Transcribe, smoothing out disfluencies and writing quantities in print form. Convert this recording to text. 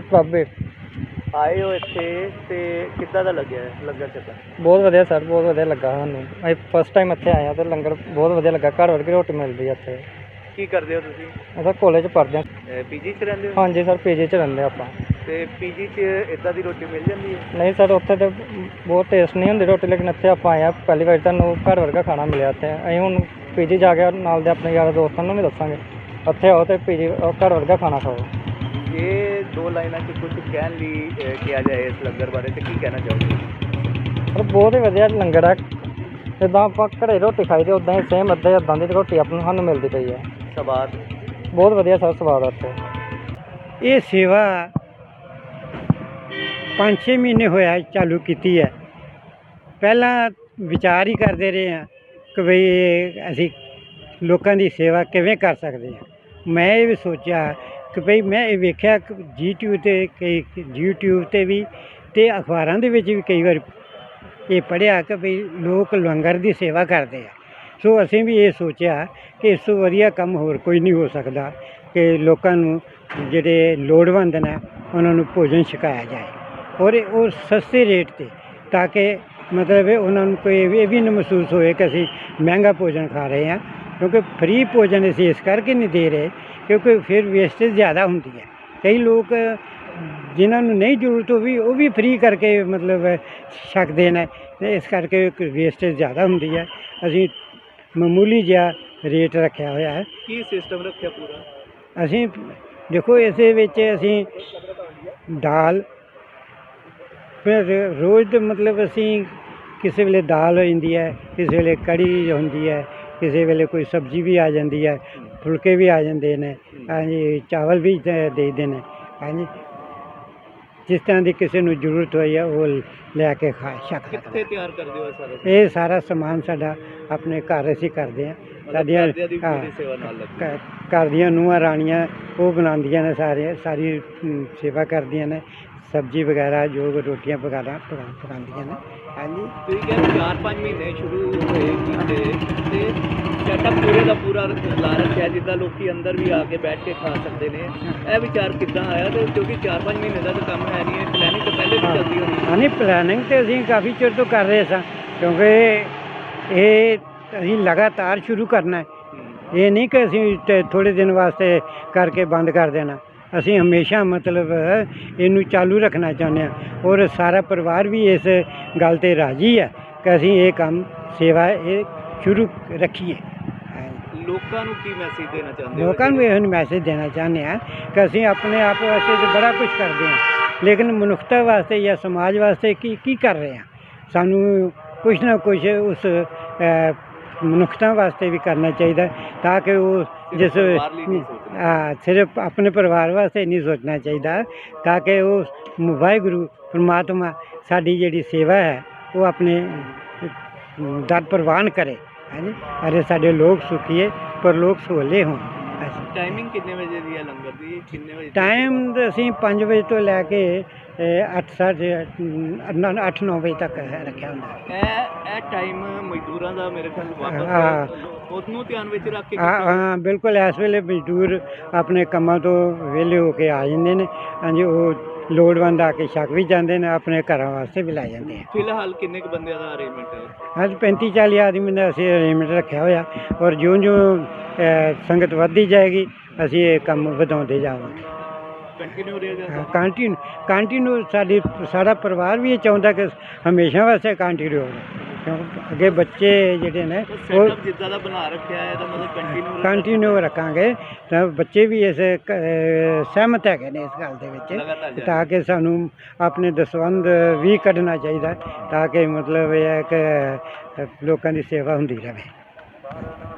ਪ੍ਰਭੇ ਆਏ ਹੋ ਇੱਥੇ ਤੇ ਕਿੱਦਾਂ ਦਾ ਲੱਗਿਆ ਲੰਗਰ ਛਕਣ? ਬਹੁਤ ਵਧੀਆ ਸਰ, ਬਹੁਤ ਵਧੀਆ ਲੱਗਾ ਸਾਨੂੰ। ਅਸੀਂ ਫਸਟ ਟਾਈਮ ਇੱਥੇ ਆਏ ਹਾਂ ਤੇ ਲੰਗਰ ਬਹੁਤ ਵਧੀਆ ਲੱਗਾ। ਘਰ ਵਰਗੀ ਰੋਟੀ ਮਿਲਦੀ ਹੈ ਇੱਥੇ। ਕੀ ਕਰਦੇ ਹੋ ਤੁਸੀਂ? ਅਸੀਂ ਕਾਲਜ ਪੜ੍ਹਦੇ ਹਾਂ। ਪੀਜੀ 'ਚ ਰਹਿੰਦੇ ਹੋ? ਹਾਂਜੀ ਸਰ, ਪੀਜੀ 'ਚ ਰਹਿੰਦੇ ਆਪਾਂ। ਤੇ ਪੀਜੀ 'ਚ ਇੱਦਾਂ ਦੀ ਰੋਟੀ ਮਿਲ ਜਾਂਦੀ ਹੈ? ਨਹੀਂ ਸਰ, ਉੱਥੇ ਤਾਂ ਬਹੁਤ ਟੇਸਟ ਨਹੀਂ ਹੁੰਦੀ ਰੋਟੀ, ਲੇਕਿਨ ਇੱਥੇ ਆਪਾਂ ਆਏ ਹਾਂ ਪਹਿਲੀ ਵਾਰ, ਤੁਹਾਨੂੰ ਘਰ ਵਰਗਾ ਖਾਣਾ ਮਿਲਿਆ ਇੱਥੇ। ਅਸੀਂ ਹੁਣ ਪੀਜੀ ਜਾ ਕੇ ਨਾਲ ਦੇ ਆਪਣੇ ਯਾਰਾਂ ਦੋਸਤਾਂ ਨੂੰ ਵੀ ਦੱਸਾਂਗੇ ਇੱਥੇ ਆਓ ਤੇ ਪੀਜੀ ਘਰ ਵਰਗਾ ਖਾਣਾ ਖਾਓ। ਇਹ ਦੋ ਲਾਈਨਾਂ 'ਚ ਕੁਝ ਕਹਿਣ ਲਈ ਕਿਹਾ ਜਾਏ ਇਸ ਲੰਗਰ ਬਾਰੇ ਤੇ ਕੀ ਕਹਿਣਾ ਚਾਹੋਗੇ? ਪਰ ਬਹੁਤ ਹੀ ਵਧੀਆ ਲੰਗਰ ਹੈ। ਜਿੱਦਾਂ ਆਪਾਂ ਘਰੇ ਰੋਟੀ ਖਾਈ ਦੀ ਉੱਦਾਂ ਹੀ ਸੇਮ ਇੱਦਾਂ ਦੀ ਰੋਟੀ ਸਾਨੂੰ ਮਿਲਦੀ ਪਈ ਹੈ। ਸਵਾਦ ਬਹੁਤ ਵਧੀਆ ਸਰ, ਸਵਾਦ ਆ ਇੱਥੇ। ਇਹ ਸੇਵਾ 5-6 ਮਹੀਨੇ ਹੋਇਆ ਚਾਲੂ ਕੀਤੀ ਹੈ। ਪਹਿਲਾਂ ਵਿਚਾਰ ਹੀ ਕਰਦੇ ਰਹੇ ਹਾਂ ਕਿ ਬਈ ਅਸੀਂ ਲੋਕਾਂ ਦੀ ਸੇਵਾ ਕਿਵੇਂ ਕਰ ਸਕਦੇ ਹਾਂ। ਮੈਂ ਇਹ ਵੀ ਸੋਚਿਆ ਕਿ ਭਈ ਮੈਂ ਇਹ ਵੇਖਿਆ ਕਿ YouTube 'ਤੇ ਵੀ ਅਤੇ ਅਖਬਾਰਾਂ ਦੇ ਵਿੱਚ ਵੀ ਕਈ ਵਾਰ ਇਹ ਪੜ੍ਹਿਆ ਕਿ ਭਈ ਲੋਕ ਲੰਗਰ ਦੀ ਸੇਵਾ ਕਰਦੇ ਆ। ਸੋ ਅਸੀਂ ਵੀ ਇਹ ਸੋਚਿਆ ਕਿ ਇਸ ਤੋਂ ਵਧੀਆ ਕੰਮ ਹੋਰ ਕੋਈ ਨਹੀਂ ਹੋ ਸਕਦਾ ਕਿ ਲੋਕਾਂ ਨੂੰ ਜਿਹੜੇ ਲੋੜਵੰਦ ਨੇ ਉਹਨਾਂ ਨੂੰ ਭੋਜਨ ਛਕਾਇਆ ਜਾਏ, ਔਰ ਉਹ ਸਸਤੇ ਰੇਟ 'ਤੇ, ਤਾਂ ਕਿ ਮਤਲਬ ਉਹਨਾਂ ਨੂੰ ਕੋਈ ਇਹ ਵੀ ਨਾ ਮਹਿਸੂਸ ਹੋਏ ਕਿ ਅਸੀਂ ਮਹਿੰਗਾ ਭੋਜਨ ਖਾ ਰਹੇ ਹਾਂ। ਕਿਉਂਕਿ ਫ੍ਰੀ ਭੋਜਨ ਅਸੀਂ ਇਸ ਕਰਕੇ ਨਹੀਂ ਦੇ ਰਹੇ ਕਿਉਂਕਿ ਫਿਰ ਵੇਸਟੇਜ ਜ਼ਿਆਦਾ ਹੁੰਦੀ ਹੈ। ਕਈ ਲੋਕ ਜਿਨ੍ਹਾਂ ਨੂੰ ਨਹੀਂ ਜ਼ਰੂਰਤ ਉਹ ਵੀ ਫ੍ਰੀ ਕਰਕੇ ਮਤਲਬ ਛਕਦੇ ਨੇ, ਅਤੇ ਇਸ ਕਰਕੇ ਵੇਸਟੇਜ ਜ਼ਿਆਦਾ ਹੁੰਦੀ ਹੈ। ਅਸੀਂ ਮਾਮੂਲੀ ਜਿਹਾ ਰੇਟ ਰੱਖਿਆ ਹੋਇਆ ਹੈ। ਕੀ ਸਿਸਟਮ ਰੱਖਿਆ ਪੂਰਾ? ਅਸੀਂ ਦੇਖੋ ਇਸੇ ਵਿੱਚ ਅਸੀਂ ਦਾਲ, ਫਿਰ ਰੋਜ਼ ਦੇ ਮਤਲਬ ਅਸੀਂ ਕਿਸੇ ਵੇਲੇ ਦਾਲ ਹੋ ਜਾਂਦੀ ਹੈ, ਕਿਸੇ ਵੇਲੇ ਕੜੀ ਹੁੰਦੀ ਹੈ, ਕਿਸੇ ਵੇਲੇ ਕੋਈ ਸਬਜ਼ੀ ਵੀ ਆ ਜਾਂਦੀ ਹੈ, ਫੁਲਕੇ ਵੀ ਆ ਜਾਂਦੇ ਨੇ, ਹਾਂਜੀ ਚਾਵਲ ਵੀ ਦੇ ਦਿੰਦੇ ਨੇ, ਹਾਂਜੀ ਜਿਸ ਤਰ੍ਹਾਂ ਦੀ ਕਿਸੇ ਨੂੰ ਜ਼ਰੂਰਤ ਹੋਈ ਹੈ ਉਹ ਲੈ ਕੇ ਖਾ ਸਕਦਾ। ਕਿੱਥੇ ਤਿਆਰ ਕਰਦੇ ਹੋ ਸਾਰਾ? ਇਹ ਸਾਰਾ ਸਮਾਨ ਸਾਡਾ ਆਪਣੇ ਘਰ ਅਸੀਂ ਕਰਦੇ ਹਾਂ। ਸਾਡੀਆਂ ਸੇਵਾ ਨਾਲ ਲੱਗੀ ਘਰ ਦੀਆਂ ਨੂੰਹਾਂ ਰਾਣੀਆਂ ਉਹ ਬਣਾਉਂਦੀਆਂ ਨੇ, ਸਾਰੀ ਸੇਵਾ ਕਰਦੀਆਂ ਨੇ, ਸਬਜ਼ੀ ਵਗੈਰਾ ਜੋ ਰੋਟੀਆਂ ਵਗੈਰਾ ਪਕਾਉਂਦੀਆਂ ਨੇ। ਹਾਂਜੀ ਤੁਸੀਂ ਕਹਿੰਦੇ 4-5 ਮਹੀਨੇ ਸ਼ੁਰੂ ਹੋਏ ਕੀਤੇ ਤੇ ਸੈਟਅਪ ਪੂਰੇ ਦਾ ਪੂਰਾ ਲਾ ਰੱਖਿਆ ਜਿੱਦਾਂ ਲੋਕੀ ਅੰਦਰ ਵੀ ਆ ਕੇ ਬੈਠ ਕੇ ਖਾ ਸਕਦੇ ਨੇ। ਇਹ ਵਿਚਾਰ ਕਿੱਦਾਂ ਆਇਆ? ਤੇ ਕਿਉਂਕਿ 4-5 ਮਹੀਨੇ ਦਾ ਤਾਂ ਕੰਮ ਹੈ ਨਹੀਂ, ਪਲੈਨਿੰਗ ਤਾਂ ਪਹਿਲੇ ਵੀ ਚੱਲਦੀ ਹੋਣੀ। ਹਾਂ ਨਹੀਂ, ਪਲੈਨਿੰਗ ਤਾਂ ਅਸੀਂ ਕਾਫੀ ਚਿਰ ਤੋਂ ਕਰ ਰਹੇ ਸਾਂ, ਕਿਉਂਕਿ ਇਹ ਅਸੀਂ ਲਗਾਤਾਰ ਸ਼ੁਰੂ ਕਰਨਾ ਹੈ। ਇਹ ਨਹੀਂ ਕਿ ਅਸੀਂ ਥੋੜ੍ਹੇ ਦਿਨ ਵਾਸਤੇ ਕਰਕੇ ਬੰਦ ਕਰ ਦੇਣਾ। ਅਸੀਂ ਹਮੇਸ਼ਾ ਮਤਲਬ ਇਹਨੂੰ ਚਾਲੂ ਰੱਖਣਾ ਚਾਹੁੰਦੇ ਹਾਂ, ਔਰ ਸਾਰਾ ਪਰਿਵਾਰ ਵੀ ਇਸ ਗੱਲ 'ਤੇ ਰਾਜ਼ੀ ਹੈ ਕਿ ਅਸੀਂ ਇਹ ਕੰਮ ਸੇਵਾ ਇਹ ਸ਼ੁਰੂ ਰੱਖੀਏ। ਲੋਕਾਂ ਨੂੰ ਕੀ ਮੈਸੇਜ ਦੇਣਾ ਚਾਹੁੰਦੇ ਹੋ? ਲੋਕਾਂ ਨੂੰ ਇਹ ਮੈਸੇਜ ਦੇਣਾ ਚਾਹੁੰਦੇ ਹਾਂ ਕਿ ਅਸੀਂ ਆਪਣੇ ਆਪ ਵਾਸਤੇ ਤਾਂ ਬੜਾ ਕੁਝ ਕਰਦੇ ਹਾਂ, ਲੇਕਿਨ ਮਨੁੱਖਤਾ ਵਾਸਤੇ ਜਾਂ ਸਮਾਜ ਵਾਸਤੇ ਕੀ ਕਰ ਰਹੇ ਹਾਂ। ਸਾਨੂੰ ਕੁਛ ਨਾ ਕੁਛ ਉਸ ਮਨੁੱਖਤਾ ਵਾਸਤੇ ਵੀ ਕਰਨਾ ਚਾਹੀਦਾ, ਤਾਂ ਕਿ ਉਹ ਜਿਸ ਸਿਰਫ ਆਪਣੇ ਪਰਿਵਾਰ ਵਾਸਤੇ ਨਹੀਂ ਸੋਚਣਾ ਚਾਹੀਦਾ, ਤਾਂ ਕਿ ਉਹ ਵਾਹਿਗੁਰੂ ਪਰਮਾਤਮਾ ਸਾਡੀ ਜਿਹੜੀ ਸੇਵਾ ਹੈ ਉਹ ਆਪਣੇ ਦਰ ਪ੍ਰਵਾਨ ਕਰੇ। ਹਾਂਜੀ, ਅਰੇ ਸਾਡੇ ਲੋਕ ਸੁਖੀਏ ਪਰ ਲੋਕ ਸੋਲੇ ਹੋਣ। ਟਾਈਮਿੰਗ ਕਿੰਨੇ ਵਜੇ ਦੀ ਹੈ ਲੰਗਰ ਦੀ? ਕਿੰਨੇ ਵਜੇ ਟਾਈਮ ਅਸੀਂ 5 ਵਜੇ ਤੋਂ ਲੈ ਕੇ 8-9 ਵਜੇ ਤੱਕ ਰੱਖਿਆ ਹੁੰਦਾ। ਇਹ ਟਾਈਮ ਮਜ਼ਦੂਰਾਂ ਦਾ ਮੇਰੇ ਖਿਆਲ ਵਾਪਸ ਉਹਨੂੰ ਧਿਆਨ ਵਿੱਚ ਰੱਖ ਕੇ ਹਾਂ ਬਿਲਕੁਲ, ਇਸ ਵੇਲੇ ਮਜ਼ਦੂਰ ਆਪਣੇ ਕੰਮਾਂ ਤੋਂ ਵਿਹਲੇ ਹੋ ਕੇ ਆ ਜਾਂਦੇ ਨੇ। ਹਾਂਜੀ, ਉਹ ਲੋੜਵੰਦ ਆ ਕੇ ਛਕ ਵੀ ਜਾਂਦੇ ਨੇ, ਆਪਣੇ ਘਰਾਂ ਵਾਸਤੇ ਵੀ ਲੈ ਜਾਂਦੇ ਆ। ਫਿਲਹਾਲ ਕਿੰਨੇ ਕੁ ਬੰਦਿਆਂ ਦਾ ਅਰੇਂਜਮੈਂਟ ਹੈ? ਅੱਜ 35-40 ਆਦਮੀ ਦਾ ਅਸੀਂ ਅਰੇਂਜਮੈਂਟ ਰੱਖਿਆ ਹੋਇਆ, ਔਰ ਜਿਉਂ ਸੰਗਤ ਵੱਧਦੀ ਜਾਏਗੀ ਅਸੀਂ ਇਹ ਕੰਮ ਵਧਾਉਂਦੇ ਜਾਵਾਂਗੇ। ਕੰਟੀਨਿਊ ਰਹੇਗਾ? ਕੰਟੀਨਿਊ ਸਾਡਾ ਪਰਿਵਾਰ ਵੀ ਇਹ ਚਾਹੁੰਦਾ ਕਿ ਹਮੇਸ਼ਾ ਵਾਸਤੇ ਕੰਟੀਨਿਊ ਹੋਵੇ, ਕਿਉਂਕਿ ਅੱਗੇ ਬੱਚੇ ਜਿਹੜੇ ਨੇ ਉਹ ਜਿੱਦਾਂ ਦਾ ਬਣਾ ਰੱਖਿਆ ਹੈ ਇਹਦਾ ਮਤਲਬ ਕੰਟੀਨਿਊ ਰੱਖਾਂਗੇ। ਤਾਂ ਬੱਚੇ ਵੀ ਇਸ ਸਹਿਮਤ ਹੈਗੇ ਨੇ ਇਸ ਗੱਲ ਦੇ ਵਿੱਚ, ਤਾਂ ਕਿ ਸਾਨੂੰ ਆਪਣੇ ਦਸਵੰਧ ਵੀ ਕੱਢਣਾ ਚਾਹੀਦਾ, ਤਾਂ ਕਿ ਮਤਲਬ ਇਹ ਹੈ ਕਿ ਲੋਕਾਂ ਦੀ ਸੇਵਾ ਹੁੰਦੀ ਰਹੇ।